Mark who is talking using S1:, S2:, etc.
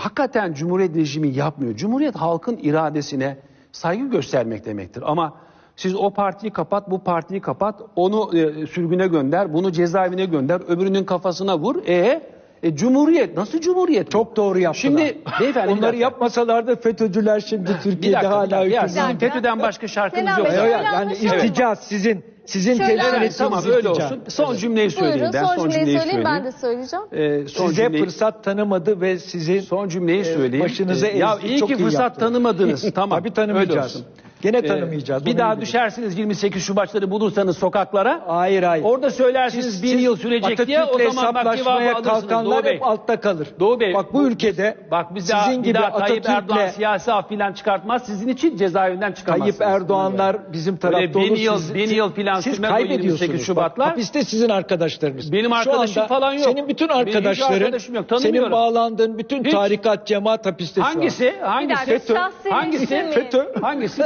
S1: hakikaten Cumhuriyet rejimi yapmıyor. Cumhuriyet halkın iradesine saygı göstermek demektir. Ama siz o partiyi kapat, bu partiyi kapat, onu sürgüne gönder, bunu cezaevine gönder, öbürünün kafasına vur. Cumhuriyet nasıl Cumhuriyet?
S2: Çok doğru yaptılar.
S1: Şimdi beyefendi
S2: Onları yapmasalardı FETÖ'cüler şimdi Türkiye'de hala hükümde.
S1: Sizin FETÖ'den başka şarkınız
S3: Selam
S1: yok.
S3: Bey,
S1: zaten.
S3: şöyle
S2: Yani
S3: anlaşalım.
S2: irtica sizin
S3: Şöyle
S2: temsil
S3: anlaşalım.
S2: ettiğiniz
S1: Tamam öyle
S2: irtica.
S1: olsun. Son cümleyi söyleyeyim.
S3: Buyurun,
S1: Ben
S3: son cümleyi söyleyeyim, ben de
S1: söyleyeyim.
S3: söyleyeceğim.
S1: Son
S2: Size
S1: cümleyi,
S2: fırsat tanımadı ve sizin
S1: son cümleyi söyleyeyim.
S2: başınıza
S1: Ya
S2: ezdi,
S1: iyi
S2: çok
S1: ki
S2: iyi
S1: fırsat
S2: yaptı.
S1: tanımadınız. Tamam.
S2: Tabii tanımayacağız.
S1: öyle olsun.
S2: Gene tanımayacağız.
S1: Bir
S2: onu
S1: daha
S2: iyi bilin.
S1: düşersiniz 28 Şubatları bulursanız sokaklara.
S2: Hayır.
S1: Orada söylersiniz 1000 yıl sürecek diye, o
S2: Atatürk'le
S1: zaman bak cevabı
S2: hesaplaşmaya
S1: alırsınız
S2: kalkanlar
S1: Doğu Bey.
S2: hep altta kalır.
S1: Doğu Bey,
S2: Bak bu ülkede
S1: Bak biz
S2: sizin
S1: bir
S2: gibi
S1: daha Tayyip Erdoğan
S2: Atatürk'le
S1: siyasi af filan çıkartmaz. Sizin için cezaevinden çıkamazsınız.
S2: Tayyip Erdoğanlar bizim tarafta
S1: Öyle
S2: olur.
S1: 1000 yıl filan
S2: siz
S1: sürmez o 28
S2: kaybediyorsunuz.
S1: Şubatlar.
S2: Bak, hapiste sizin arkadaşlarınız.
S1: Benim
S2: Şu
S1: arkadaşım
S2: anda
S1: falan yok.
S2: Senin bütün
S1: Benim hiç
S2: arkadaşların,
S1: arkadaşım yok, tanımıyorum.
S2: senin bağlandığın bütün
S1: Hiç.
S2: tarikat, cemaat hapiste şu an.
S1: Hangisi?
S3: Bir dakika, şahsi
S1: Hangisi?
S3: düşünmeyin.
S1: FETÖ. Hangisi?